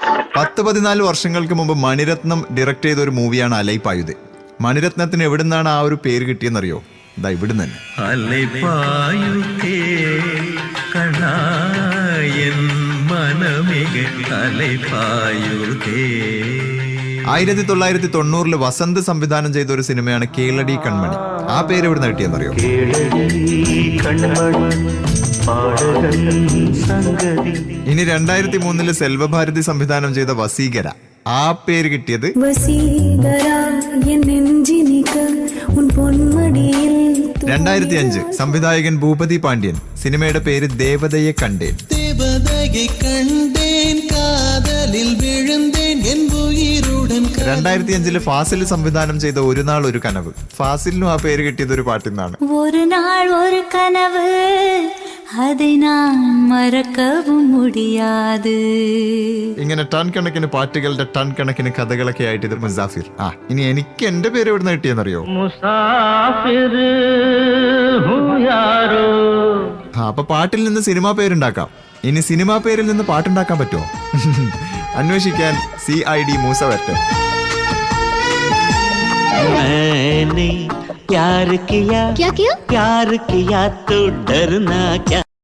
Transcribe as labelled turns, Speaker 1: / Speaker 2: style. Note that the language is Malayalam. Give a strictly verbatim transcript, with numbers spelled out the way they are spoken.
Speaker 1: പത്ത് പതിനാല് വർഷങ്ങൾക്ക് മുമ്പ് മണിരത്നം ഡയറക്ട് ചെയ്ത ഒരു മൂവിയാണ് അലൈപായുധേ. മണിരത്നത്തിന് എവിടുന്നാണ് ആ ഒരു പേര് കിട്ടിയെന്നറിയോ? ഇതാ ഇവിടുന്ന് തന്നെ.
Speaker 2: അലൈപായുധേ കണായൻ മനമിക അലൈപായുധേ.
Speaker 1: ആയിരത്തി തൊള്ളായിരത്തി തൊണ്ണൂറില് വസന്ത് സംവിധാനം ചെയ്ത ഒരു സിനിമയാണ് കേളടി കൺമണി. ആ പേര് എവിടുന്ന് കിട്ടിയെന്നറിയോ? ഇനി രണ്ടായിരത്തി മൂന്നില് സെൽവഭാരതി സംവിധാനം ചെയ്ത വസീകര, ആ പേര് കിട്ടിയത് രണ്ടായിരത്തി അഞ്ച് സംവിധായകൻ ഭൂപതി പാണ്ഡ്യൻ സിനിമയുടെ പേര് ദേവതയെ കണ്ടേൻ. രണ്ടായിരത്തി അഞ്ചില് ഫാസിൽ സംവിധാനം ചെയ്ത ഒരു നാൾ ഒരു കനവ്, ഫാസിലിനും ആ പേര് കിട്ടിയത് ഒരു പാട്ടിൽ നിന്നാണ്.
Speaker 3: ഒരു നാൾ ഒരു കനവ് அதை நான் മറക്കവും മുടിയാതെ.
Speaker 1: ഇങ്ങനെ ടൺ കണക്കിന് പാട്ടുകളുടെ ടൺ കണക്കിന് കഥകളൊക്കെ ആയിട്ട് ഇത് മുസാഫിർ. ആ ഇനി എനിക്ക് എന്റെ പേര് എവിടുന്ന് കിട്ടിയെന്നറിയോ?
Speaker 2: മുസാഫിർ
Speaker 1: ആ അപ്പൊ പാട്ടിൽ നിന്ന് സിനിമാ പേരുണ്ടാക്കാം. ഇനി സിനിമാ പേരിൽ നിന്ന് പാട്ടുണ്ടാക്കാൻ പറ്റുമോ? അന്വേഷിക്കാൻ സി ഐ ഡി മൂസ വരട്ടെ.
Speaker 4: मैंने प्यार किया
Speaker 3: क्या किया
Speaker 4: प्यार किया तो डरना क्या.